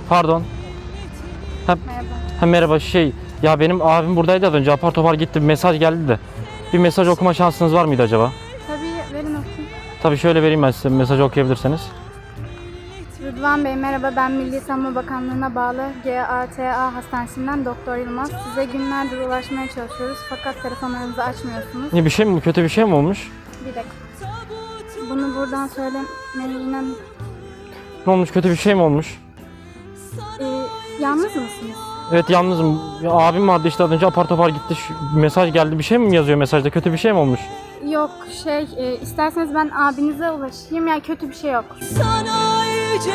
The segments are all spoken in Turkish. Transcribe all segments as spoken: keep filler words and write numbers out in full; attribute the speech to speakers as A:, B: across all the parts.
A: Pardon. Ha,
B: Merhaba.
A: ha, merhaba şey ya benim abim buradaydı az önce apar topar gitti bir mesaj geldi de. Bir mesaj okuma şansınız var mıydı acaba?
B: Tabii, verin okuyayım.
A: Tabii şöyle vereyim ben size mesajı okuyabilirseniz.
B: Rıdvan Bey merhaba, ben Milli Savunma Bakanlığı'na bağlı G A T A Hastanesi'nden Doktor Yılmaz. Size günlerdir ulaşmaya çalışıyoruz fakat telefonlarınızı açmıyorsunuz.
A: Ne bir şey mi kötü bir şey mi olmuş?
B: Bir dakika. Bunu buradan söylemeye inan.
A: Ne olmuş kötü bir şey mi olmuş?
B: Ee, yalnız mısınız?
A: Evet yalnızım. Ya, abim vardı işte az önce apar topar gitti. Şu, mesaj geldi bir şey mi yazıyor mesajda kötü bir şey mi olmuş?
B: Yok şey, e, isterseniz ben abinize ulaşayım, yani kötü bir şey yok.
C: Sana yüce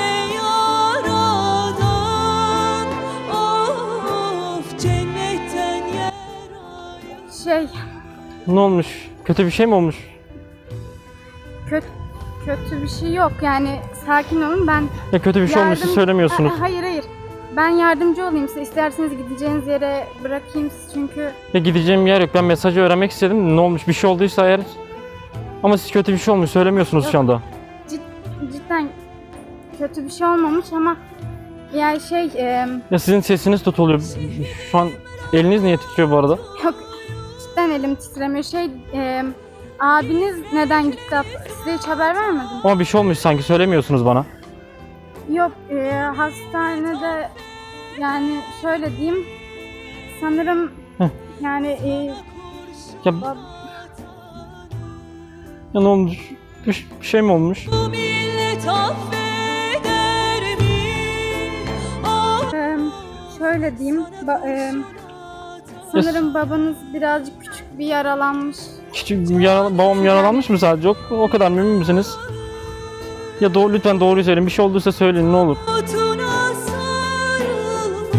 C: yaradan, of cennetten yer.
B: Şey,
A: Ne olmuş? Kötü bir şey mi olmuş?
B: kötü kötü bir şey yok, yani sakin olun, ben
A: Ya kötü bir şey olmuş siz
B: yardım-
A: söylemiyorsunuz.
B: Ha- hayır hayır. Ben yardımcı olayım size. İsterseniz gideceğiniz yere bırakayım sizi çünkü
A: Ya gideceğim yer yok. Ben mesajı öğrenmek istedim. Ne olmuş? Bir şey olduysa eğer. Ama siz kötü bir şey olmuş söylemiyorsunuz
B: Yok.
A: şu anda.
B: cid- cidden kötü bir şey olmamış ama yani şey e,
A: Ya sizin sesiniz tutuluyor. Şu an eliniz niye titriyor bu arada?
B: yok, cidden elim titremiyor. Şey e, abiniz neden gitti? Size hiç haber vermedim.
A: Ama bir şey olmuş sanki söylemiyorsunuz bana.
B: Yok, e, hastanede, yani şöyle diyeyim, sanırım
A: Heh.
B: yani e,
A: Ya,
B: bab-
A: ya ne olmuş? Bir, bir şey mi olmuş?
C: Bu millet affeder mi? Of
B: e, şöyle diyeyim, ba- e, sanırım babanız birazcık küçük bir yaralanmış.
A: Küçük yara, babam yaralanmış mı sadece? O, o kadar mı, emin misiniz? Ya doğru, lütfen doğruyu söyleyin. Bir şey olduysa söyleyin ne olur.
C: otuna sarılmış.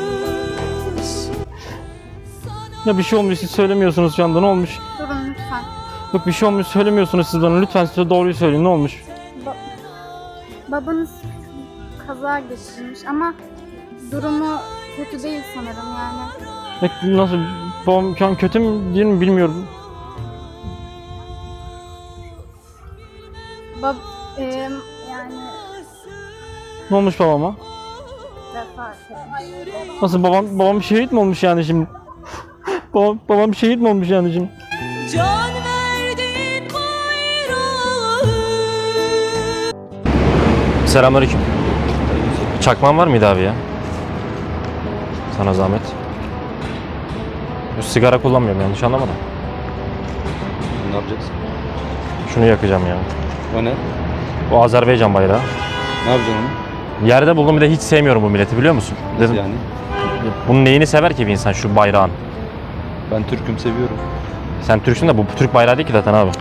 A: Ya bir şey olmuş siz söylemiyorsunuz şu anda ne olmuş?
B: Durun lütfen.
A: Yok bir şey olmuş söylemiyorsunuz siz bana. Lütfen size doğruyu söyleyin ne olmuş?
B: Ba- babanız kaza geçirmiş ama durumu kötü değil sanırım yani.
A: Ya nasıl? Babam şu an kötü mü değil mi bilmiyorum.
B: Bab e, yani
A: Ne olmuş babama?
B: vefat etmiş.
A: Nasıl babam babam şehit mi olmuş yani şimdi? babam babam şehit mi olmuş yani şimdi?
C: Can verdin bayrağı.
A: Selamünaleyküm. Çakman var mıydı abi ya? Sana zahmet. Bu sigara kullanmıyorum yanlış anlamadım.
D: Ne yapacaksın?
A: Şunu yakacağım ya.
D: O ne?
A: O Azerbaycan bayrağı.
D: Ne yapacaksın onu?
A: Yerde buldum bir de hiç sevmiyorum bu milleti biliyor musun?
D: Nasıl
A: Dedim
D: yani?
A: bunun neyini sever ki bir insan şu bayrağın?
D: Ben Türk'üm seviyorum.
A: Sen Türksün de bu Türk bayrağı değil ki zaten abi.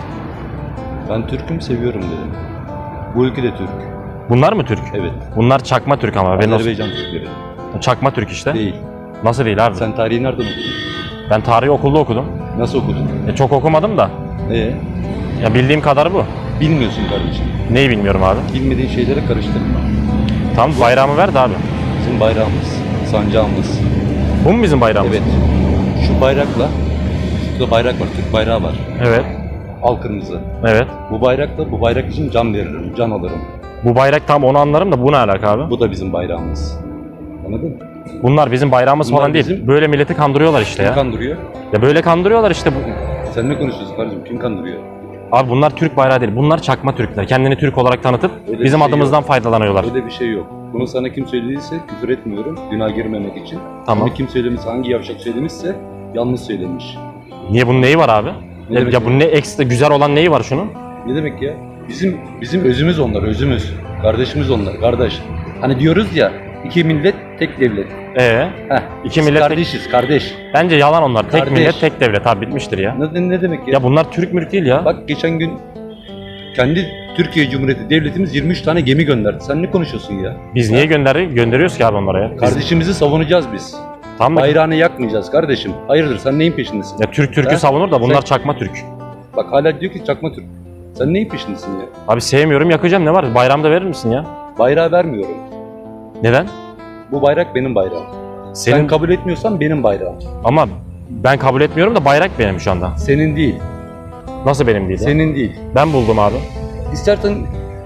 D: Ben Türk'üm seviyorum dedim. Bu ülke de Türk.
A: Bunlar mı Türk?
D: Evet.
A: Bunlar çakma Türk ama. Ben
D: Azerbaycan Türkleri.
A: çakma Türk işte.
D: Değil.
A: Nasıl değil abi?
D: Sen tarihi nereden okudun?
A: Ben tarihi okulda okudum.
D: Nasıl okudun?
A: E, çok okumadım da.
D: Ee,
A: Ya bildiğim kadar bu.
D: bilmiyorsun kardeşim.
A: Neyi bilmiyorum abi.
D: Bilmediğin şeylere karıştırma.
A: Tamam bayrağımı ver de abi.
D: Bizim bayrağımız, sancağımız.
A: Bu mu bizim bayrağımız?
D: Evet. Şu bayrakla, şurada bayrak var, Türk bayrağı var.
A: Evet.
D: Al kırmızı.
A: Evet.
D: Bu bayrakla, bu bayrak için can veririm, can alırım.
A: Bu bayrak tam onu anlarım da bu ne alaka abi?
D: Bu da bizim bayrağımız. Anladın mı?
A: Bunlar bizim bayrağımız
D: Bunlar
A: falan değil.
D: bizim-
A: Böyle milleti kandırıyorlar işte
D: Kim
A: ya.
D: kandırıyor?
A: Ya böyle kandırıyorlar işte. Bu...
D: Sen ne konuşuyorsun kardeşim? Kim kandırıyor?
A: Abi bunlar Türk bayrağı değil. Bunlar çakma Türkler. Kendini Türk olarak tanıtıp
D: Öyle bir
A: bizim
D: şey
A: adımızdan
D: yok.
A: faydalanıyorlar.
D: Öyle bir şey yok. Bunu sana kim söylediyse küfür etmiyorum, günah girmemek için.
A: Tamam.
D: Ama kim söylemişse, hangi yavşak söylemişse yanlış söylemiş.
A: Niye bunun neyi var abi?
D: Ne
A: ya,
D: demek
A: ya
D: ya?
A: bunun ne ekstra güzel olan neyi var şunun?
D: Ne demek ya? Bizim bizim özümüz onlar, özümüz. Kardeşimiz onlar, kardeş. Hani diyoruz ya, iki millet, tek devlet.
A: Ee,
D: Heh,
A: iki
D: biz
A: millet tek-
D: kardeşiz, kardeş.
A: bence yalan onlar. Tek
D: Kardeş.
A: millet, tek devlet abi bitmiştir ya.
D: Ne, ne demek ya?
A: Ya bunlar Türk mülk değil ya.
D: Bak geçen gün kendi Türkiye Cumhuriyeti devletimiz yirmi üç tane gemi gönderdi. Sen ne konuşuyorsun ya?
A: Biz niye gönder gönderiyoruz ki abi onlara ya? Biz-
D: Kardeşimizi savunacağız biz.
A: Tamam mı?
D: Bayrağını yakmayacağız kardeşim. Hayırdır, sen neyin peşindesin?
A: Ya Türk Türk'ü
D: Ha?
A: savunur da bunlar
D: Sen-
A: çakma Türk.
D: Bak hala diyor ki çakma Türk. Sen neyin peşindesin ya?
A: Abi sevmiyorum yakacağım ne var? Bayramda verir misin ya?
D: Bayrağı vermiyorum.
A: Neden?
D: Bu bayrak benim bayrağım.
A: Senin
D: Sen kabul etmiyorsan benim bayrağım.
A: ama ben kabul etmiyorum da bayrak benim şu anda.
D: Senin değil.
A: Nasıl benim değil ya?
D: Senin değil.
A: Ben buldum abi.
D: İstersen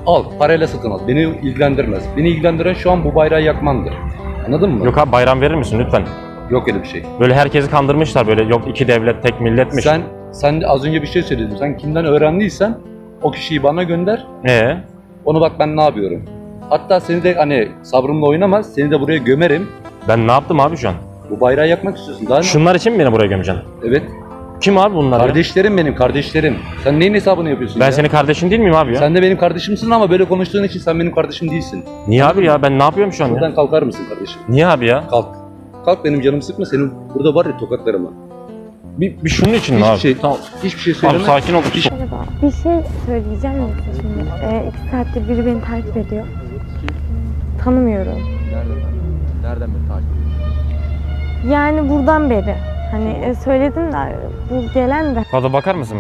D: Al, parayla satın al. Beni ilgilendirmez. Beni ilgilendiren şu an bu bayrağı yakmandır. Anladın mı?
A: Yok abi bayram verir misin lütfen?
D: Yok öyle bir şey.
A: Böyle herkesi kandırmışlar böyle yok iki devlet tek milletmiş.
D: Sen sen de az önce bir şey söyledin. Sen kimden öğrendiysen o kişiyi bana gönder.
A: Ee?
D: Onu bak ben ne yapıyorum. Hatta seni de hani sabrımla oynamaz. Seni de buraya gömerim.
A: Ben ne yaptım abi şu an?
D: Bu bayrağı yakmak istiyorsun. Daha ne?
A: Şunlar için mi beni buraya gömeceksin?
D: Evet.
A: Kim abi bunlar ya?
D: Kardeşlerim benim, kardeşlerim. Sen neyin hesabını yapıyorsun
A: Ben
D: ya?
A: senin kardeşin değil miyim abi ya?
D: Sen de benim kardeşimsin ama böyle konuştuğun için sen benim kardeşim değilsin.
A: Niye abi ya? Ben ne yapıyorum şu an ya?
D: Buradan kalkar mısın kardeşim?
A: Niye abi ya?
D: Kalk. Kalk benim canımı sıkma. Senin burada var ya tokatlarıma.
A: Bir, bir şunun için mi
D: Hiçbir
A: abi?
D: şey,
A: Tamam.
D: hiçbir şey
A: Abi
D: söyleme.
A: sakin ol.
E: Merhaba. Bir şey söyleyeceğim de size şimdi. Ee, iki saattir biri beni takip ediyor. Tanımıyorum.
F: Nereden? Nereden beni takip ediyorsun?
E: Yani buradan beri. Hani e, söyledim de bu gelen de.
A: Fazla bakar mısın?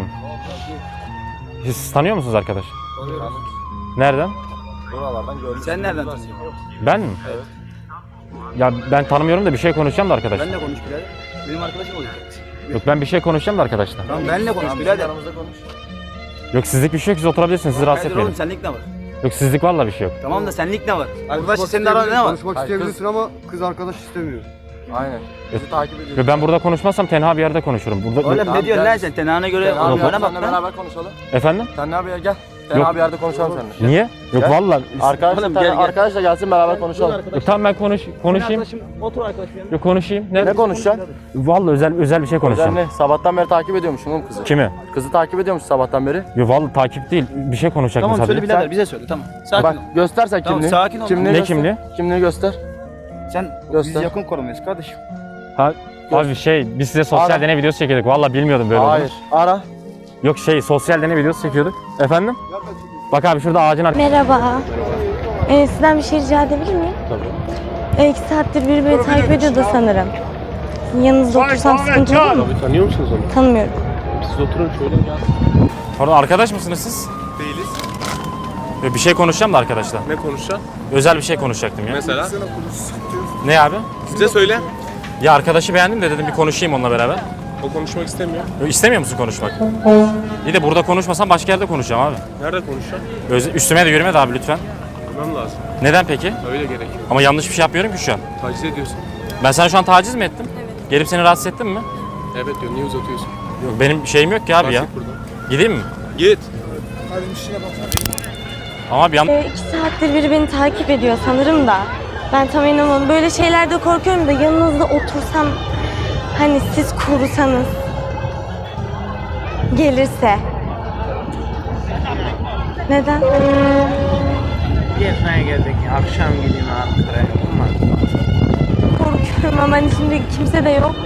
A: Siz tanıyor musunuz arkadaş? Nereden?
F: Buralardan gördüm. Sen nereden tanıyorsun?
A: Ben mi? Evet. Ya ben tanımıyorum da bir şey konuşacağım da arkadaş.
F: Benle konuş birader. Benim arkadaşım olacak.
A: Yok ben bir şey konuşacağım da arkadaşlar.
F: Tamam benle konuş birader. Aramızda konuş.
A: Yok sizlik bir şey yok siz oturabilirsiniz sizi rahatsız
F: Birader oğlum
A: etmeyin.
F: senlik ne var?
A: Yok sizlik vallahi bir şey yok.
F: Tamam da senlik ne var? Arkadaş senin aranda ne var?
G: Konuşmak isteyebilirsin ama kız arkadaş istemiyor.
F: Aynen. Bizi takip ediyorsun.
A: Yok ben burada konuşmazsam tenha bir yerde konuşurum. Burada
F: Oğlum
A: Yok.
F: ne diyorsun lan sen? Tenhane göre
A: Sen abi
F: bana bak
H: Seninle
F: lan.
H: beraber konuşalım.
A: Efendim?
H: Sen ne abi gel. Sen
A: Yok.
H: abi yerde konuşalım seninle.
A: Niye? Yok
H: Gel.
A: vallahi.
H: Arkadaş,
F: Oğlum,
H: gel,
F: gel, gel.
H: arkadaş da gelsin beraber konuşalım.
A: Yok, tamam ben konuş konuşayım.
F: Otur arkadaşım.
A: Yok konuşayım. Ne?
H: Ne konuşacaksın?
A: Vallahi özel özel bir şey
H: Özel
A: konuşacağım.
H: ne? Sabahtan beri takip ediyormuşsun oğlum kızı.
A: Kimi?
H: Kızı takip ediyormuş sabahtan beri.
A: Yok vallahi takip değil. Bir şey konuşacaktım
F: Tamam söyle
A: sadece.
F: birader bize söyle tamam. Sakin
H: Bak
F: ol.
H: göstersen
F: Tamam,
H: kimliği.
F: sakin ol.
H: Kimliği
A: Ne
H: göster.
A: kimliği?
H: Kimliği göster.
F: Sen
H: Göster.
F: biz yakın korumayız kardeşim.
A: Ha, abi şey biz size sosyal
H: Ara.
A: deney videosu çekiyorduk. Vallahi bilmiyordum böyle
H: Hayır.
A: olduğunu.
H: Ara.
A: Yok şey sosyal deney videosu çekiyorduk. Efendim? Bak abi şurada ağacın arkasında.
E: Merhaba. Ee, sizden bir şey rica edebilir miyim? Tabii. Ee, iki saattir biri beni takip ediyor da sanırım. Yanınızda otursam sıkıntı olur mu?
G: Tanıyor musunuz onu?
E: Tanımıyorum.
G: Siz oturun şöyle.
A: Pardon arkadaş mısınız siz?
I: Değiliz.
A: Yok, bir şey konuşacağım da arkadaşlar.
I: Ne konuşacaksın?
A: Özel bir şey konuşacaktım ya.
I: Mesela?
A: Ne abi?
I: Bize söyle.
A: Ya arkadaşı beğendim de dedim bir konuşayım onunla beraber.
I: O konuşmak istemiyor.
A: Yok, İstemiyor musun konuşmak? İyi de burada konuşmasam başka yerde konuşacağım abi.
I: Nerede konuşacaksın?
A: Öz- üstüme de yürüme de abi lütfen.
I: Bilmem lazım.
A: Neden peki?
I: Öyle gerekiyor.
A: Ama yanlış bir şey yapmıyorum ki şu an.
I: Taciz ediyorsun.
A: Ben sana şu an taciz mi ettim? Evet. Gelip seni rahatsız ettim mi?
I: Evet diyor. Niye uzatıyorsun?
A: Yok benim şeyim yok ki abi ya.
I: Bas git buradan.
A: Gideyim mi?
I: Git.
A: Ama bir an...
E: Ee, iki saattir biri beni takip ediyor sanırım da. Ben tam inanamadım. Böyle şeylerde korkuyorum da yanınızda otursam hani siz korusanız gelirse. Neden?
J: Gezmeye geldik. Akşam gideyim Ankara'ya. Olmaz.
E: Korkuyorum ama hani şimdi kimse de yok.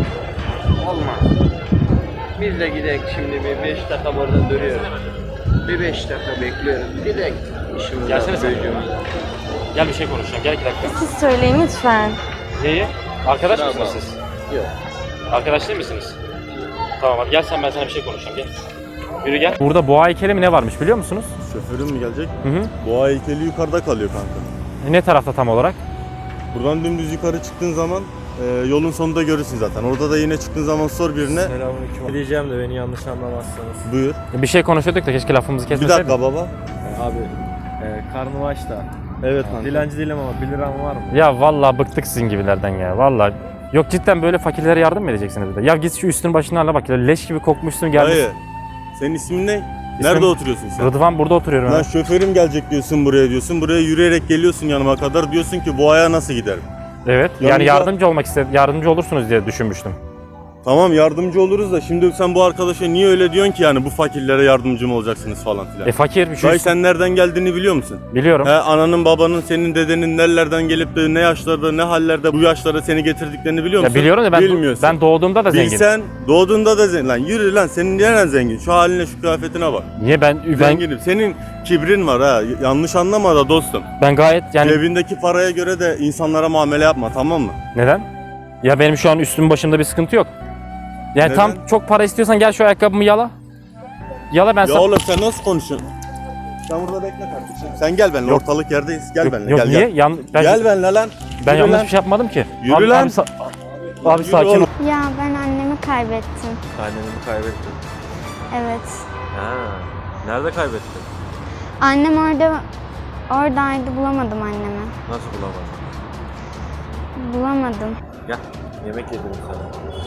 J: Olmaz. Biz de gidelim şimdi bir beş dakika burada duruyoruz. Bir beş dakika bekliyoruz. Gidelim. İşimiz
A: Gelsene sen.
J: çocuğumuz.
A: Gel bir şey konuşacağım. Gel iki dakika.
E: Siz söyleyin lütfen.
A: Neyi? Arkadaş mısınız siz?
J: Yok.
A: Arkadaş değil misiniz? Tamam hadi gel sen ben sana bir şey konuşacağım gel. Yürü gel. Burada boğa heykeli mi ne varmış biliyor musunuz?
K: Şoförün mü gelecek?
A: Hı hı.
K: Boğa heykeli yukarıda kalıyor kanka.
A: Ne tarafta tam olarak?
K: Buradan dümdüz yukarı çıktığın zaman e, yolun sonunda görürsün zaten. Orada da yine çıktığın zaman sor birine.
G: Selamünaleyküm. Diyeceğim de beni yanlış anlamazsanız.
K: Buyur.
A: Bir şey konuşuyorduk da keşke lafımızı
K: Bir
A: kesmeseydik.
K: dakika baba.
G: Abi e, karnım aç da.
K: Evet kanka.
G: Dilenci değilim ama bir liram var mı?
A: Ya vallahi bıktık sizin gibilerden ya vallahi. Yok cidden böyle fakirlere yardım mı edeceksiniz bir de? Ya git şu üstün başını hala bak ya leş gibi kokmuşsun gelmiş.
K: Hayır. Senin ismin ne? Nerede oturuyorsun sen?
A: Rıdvan burada oturuyorum
K: Lan
A: ben.
K: şoförüm gelecek diyorsun buraya diyorsun. Buraya yürüyerek geliyorsun yanıma kadar. Diyorsun ki boğaya nasıl giderim?
A: Evet yani
K: Yanımda-
A: yardımcı olmak istedim. Yardımcı olursunuz diye düşünmüştüm.
K: Tamam yardımcı oluruz da şimdi sen bu arkadaşa niye öyle diyorsun ki yani bu fakirlere yardımcı mı olacaksınız falan filan.
A: E fakir şu
K: Dayı sen nereden geldiğini biliyor musun?
A: biliyorum.
K: He, ananın babanın senin dedenin nerelerden gelip de ne yaşlarda ne hallerde bu yaşlara seni getirdiklerini biliyor
A: Ya
K: musun?
A: biliyorum da ben
K: Bilmiyorsun.
A: ben doğduğumda da zengin.
K: Bilsen doğduğunda da zengin. Lan yürü lan senin neren zengin? Şu haline şu kıyafetine bak.
A: Niye ben ben
K: Zenginim. Senin kibrin var ha. Yanlış anlama da dostum.
A: ben gayet yani
K: Evindeki paraya göre de insanlara muamele yapma tamam mı?
A: neden? Ya benim şu an üstüm başımda bir sıkıntı yok. Yani
K: Neden?
A: tam çok para istiyorsan gel şu ayakkabımı yala. Yala ben
K: Ya
A: sana.
K: oğlum sen nasıl konuşuyorsun? Sen burada bekle kardeşim. Sen gel benimle
A: Yok.
K: ortalık yerdeyiz. Gel
A: Yok,
K: benimle
A: yok
K: gel
A: niye?
K: gel.
A: Yan, ben,
K: Gel benimle lan.
A: ben
K: Yürü
A: yanlış
K: lan.
A: bir şey yapmadım ki.
K: Yürü
A: abi,
K: lan.
A: Abi, sa- abi
K: Yürü
A: sakin ol.
K: oğlum.
B: Ya ben annemi kaybettim.
H: Anneni mi kaybettin?
B: Evet.
H: Ha. Nerede kaybettin?
B: Annem orada oradaydı, bulamadım annemi.
G: Nasıl bulamadın?
B: Bulamadım.
G: Gel. Yemek yedireyim sana.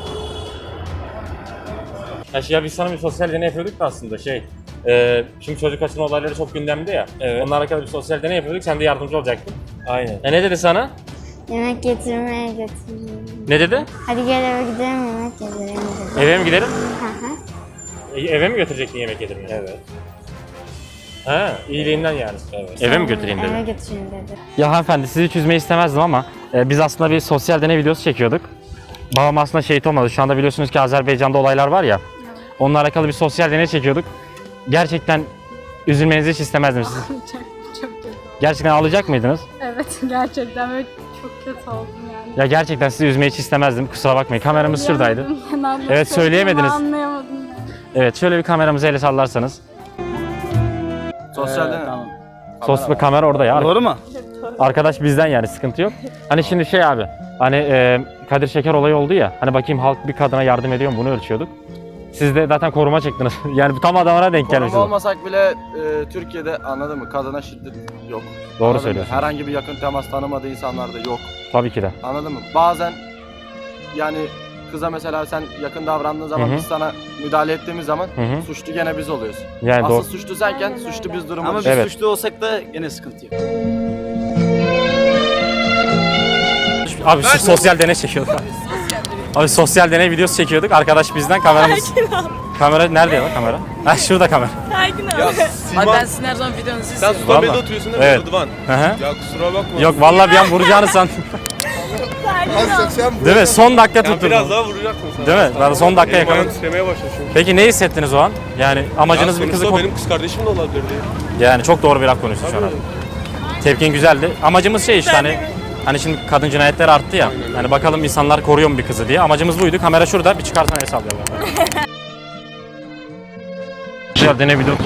A: Ya, şey, ya biz sana bir sosyal deney yapıyorduk da aslında şey. E, şimdi çocuk kaçırma olayları çok gündemde ya. Evet. Onlarla alakalı bir sosyal deney yapıyorduk. Sen de yardımcı olacaktın.
G: Aynen.
A: E ne dedi sana?
B: Yemek getirmeye götüreyim.
A: Ne dedi?
B: Hadi gel eve gidelim yemek yedireyim dedi.
A: Eve mi gidelim?
B: Hı hı.
A: E, eve mi götürecektin yemek yedirmeye?
G: Evet.
A: Ha, iyiliğinden yani.
G: Evet.
A: Eve mi götüreyim dedi?
B: Eve götüreyim dedi.
A: Ya hanımefendi, sizi hiç üzmeyi istemezdim ama e, biz aslında bir sosyal deney videosu çekiyorduk. Babam aslında şehit olmadı. Şu anda biliyorsunuz ki Azerbaycan'da olaylar var ya. Onunla alakalı bir sosyal deney çekiyorduk. Gerçekten üzülmenizi hiç istemezdim siz.
B: çok, çok kötü.
A: Gerçekten ağlayacak mıydınız?
B: Evet, gerçekten böyle çok kötü oldum yani.
A: Ya gerçekten sizi üzmeyi hiç istemezdim. Kusura bakmayın. Kameramız şuradaydı.
B: Söyleyemedim, yani
A: Evet, söyleyemediniz.
B: Anlayamadım yani.
A: Evet, şöyle bir kameramızı ele sallarsanız.
F: Sosyal
J: Ee,
F: deney.
J: tamam.
A: Sos ve kamera orada ya.
F: Doğru mu?
A: Arkadaş bizden yani, sıkıntı yok. Hani şimdi şey abi, hani e, Kadir Şeker olayı oldu ya. Hani bakayım halk bir kadına yardım ediyor mu, bunu ölçüyorduk. Siz de zaten koruma çektiniz. Yani bu tam adamına denk gelmiş.
H: Koruma olmasak bile e, Türkiye'de anladın mı? Kadına şiddet yok.
A: Doğru
H: Anladın mı?
A: söylüyorsun.
H: Herhangi bir yakın temas tanımadığı insanlar da yok.
A: Tabii ki de.
H: Anladın mı? Bazen yani kıza mesela sen yakın davrandığın zaman
A: Hı hı.
H: biz sana müdahale ettiğimiz zaman
A: Hı hı.
H: suçlu gene biz oluyoruz.
A: Yani
H: Asıl
A: doğru.
H: suçlu senken suçlu biz durumu.
F: Ama biz
A: Evet.
F: suçlu olsak da gene sıkıntı yok.
A: Abi şu sosyal deney çekiyorduk. Abi sosyal deney videosu çekiyorduk. Arkadaş bizden kameramız. Kamera nerede ya kamera? Ha şurada kamera.
I: Abi ben sizin her zaman videonuzu Sen Sultanbeyli'de
A: Vallahi.
I: oturuyorsun değil mi
A: Evet.
I: Rıdvan?
A: Hı hı.
I: Ya kusura bakma.
A: Yok vallahi bir an vuracağını sandım. Değil mi? Son dakika
I: Ya
A: tutturdum.
I: biraz daha vuracaktın sen.
A: Değil mi? Ben son dakika
I: Benim ayağım
A: yakaladım.
I: titremeye başladı çünkü.
A: Peki ne hissettiniz o an? Yani amacınız
I: Ya
A: bir kızı
I: sonuçta
A: ko-
I: benim kız kardeşim de olabilirdi.
A: Yani çok doğru bir laf konuştun şu an abi. Tepkin güzeldi. Amacımız şey işte hani hani şimdi kadın cinayetleri arttı ya. Hani bakalım insanlar koruyor mu bir kızı diye. Amacımız buydu. Kamera şurada. Bir çıkarsan el sallayalım. Güzel deney video.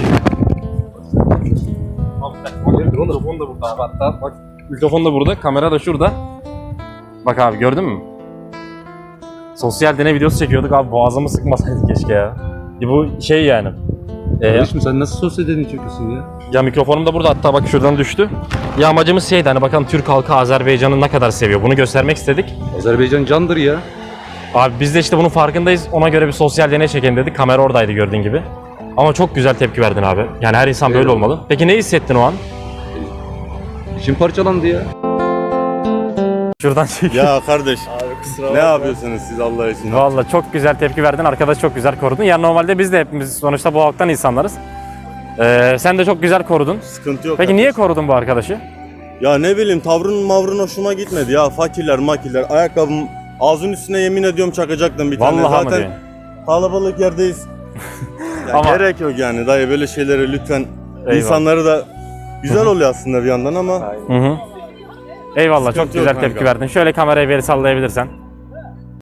A: Mikrofon da burada abi hatta. Bak mikrofon da burada. Kamera da şurada. Bak abi gördün mü? Sosyal deney videosu çekiyorduk abi. Boğazımı sıkmasaydı keşke ya. Ya bu şey yani. Ee,
D: Kardeşim sen nasıl sosyal deney çekiyorsun ya?
A: Ya mikrofonum da burada hatta bak şuradan düştü. Ya amacımız şeydi hani bakalım Türk halkı Azerbaycan'ı ne kadar seviyor. Bunu göstermek istedik.
D: Azerbaycan candır ya.
A: Abi biz de işte bunun farkındayız. Ona göre bir sosyal deney çekelim dedik. Kamera oradaydı gördüğün gibi. Ama çok güzel tepki verdin abi. Yani her insan böyle
D: Eyvallah.
A: olmalı. Peki ne hissettin o an?
D: İçim parçalandı ya.
A: Şuradan çek.
K: Ya kardeş
G: Abi kusura
K: ne
G: bakma.
K: yapıyorsunuz siz Allah için?
A: Vallahi çok güzel tepki verdin. Arkadaş çok güzel korudun. Yani normalde biz de hepimiz sonuçta bu halktan insanlarız. Ee, sen de çok güzel korudun.
K: Sıkıntı yok.
A: Peki
K: kardeş.
A: niye korudun bu arkadaşı?
K: Ya ne bileyim tavrın mavrın hoşuma gitmedi ya. Fakirler makirler ayakkabım ağzının üstüne yemin ediyorum çakacaktım bir tane.
A: Vallahi mı
K: Zaten
A: diyorsun?
K: kalabalık yerdeyiz. Ya
A: Ama-
K: gerek yok yani dayı böyle şeylere lütfen.
A: Eyvallah.
K: İnsanları da güzel oluyor aslında bir yandan ama
A: Hı hı. Eyvallah çok
K: Sıkıntı yok
A: güzel tepki
K: kanka.
A: verdin. Şöyle kamerayı bir sallayabilirsen.